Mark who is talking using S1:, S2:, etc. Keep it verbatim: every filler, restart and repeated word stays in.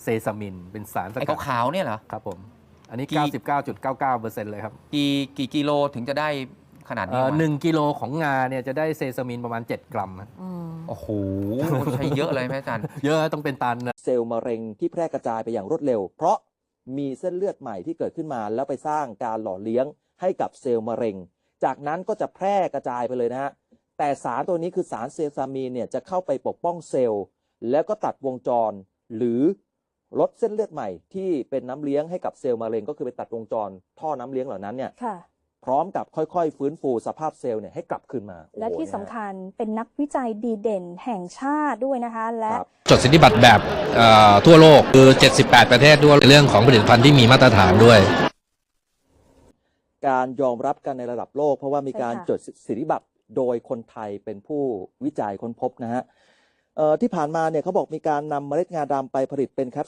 S1: เซซามินเป็นสารส
S2: ไอ้
S1: กัด
S2: ขาวๆเนี่ยเหรอ
S1: ครับผมอันนี้
S2: กี่
S1: เก้าสิบเก้าจุดเก้าเก้าเปอร์เซ็นต์ เลยครับ
S2: กี่กี่กิโลถึงจะได้ขนาด
S1: เอ่
S2: นี้
S1: อ
S2: วะ
S1: หนึ่งกิโลของงาเนี่ยจะได้เซซามินประมาณเจ็ดกรัมนะ
S3: อืม
S2: โอ้โหใช้เยอะเลยไหมอาจารย์
S1: เยอะต้องเป็นตันนะ
S4: เซลล์มะเร็งที่แพร่กระจายไปอย่างรวดเร็ว เพราะมีเส้นเลือดใหม่ที่เกิดขึ้นมาแล้วไปสร้างการหล่อเลี้ยงให้กับเซลล์มะเร็ง จากนั้นก็จะแพร่กระจายไปเลยนะฮะแต่สารตัวนี้คือสารเซซามีนเนี่ยจะเข้าไปปกป้องเซลล์แล้วก็ตัดวงจร หรือลดเส้นเลือดใหม่ที่เป็นน้ำเลี้ยงให้กับเซลล์มะเร็งก็คือไปตัดวงจร ท่อน้ำเลี้ยงเหล่านั้นเนี่ย
S3: ค่ะ
S4: พร้อมกับค่อยๆฟื้นฟูสภาพเซลล์เนี่ยให้กลับคืนมาโอ้โห
S3: และที่สำคัญเป็นนักวิจัยดีเด่นแห่งชาติด้วยนะคะ และ
S4: ครับ
S5: จดสิทธิบัตรแบบเอ่อทั่วโลกคือเจ็ดสิบแปดประเทศด้วยเรื่องของผลิตภัณฑ์ที่มีมาตรฐานด้วย
S4: การยอมรับกันในระดับโลก เพราะว่ามีการ
S3: ใช่ค่ะ
S4: จดสิทธิบัตรโดยคนไทยเป็นผู้วิจัยค้นพบนะฮะเอ่อที่ผ่านมาเนี่ยเขาบอกมีการนำเมล็ดงาดำไปผลิตเป็นแคป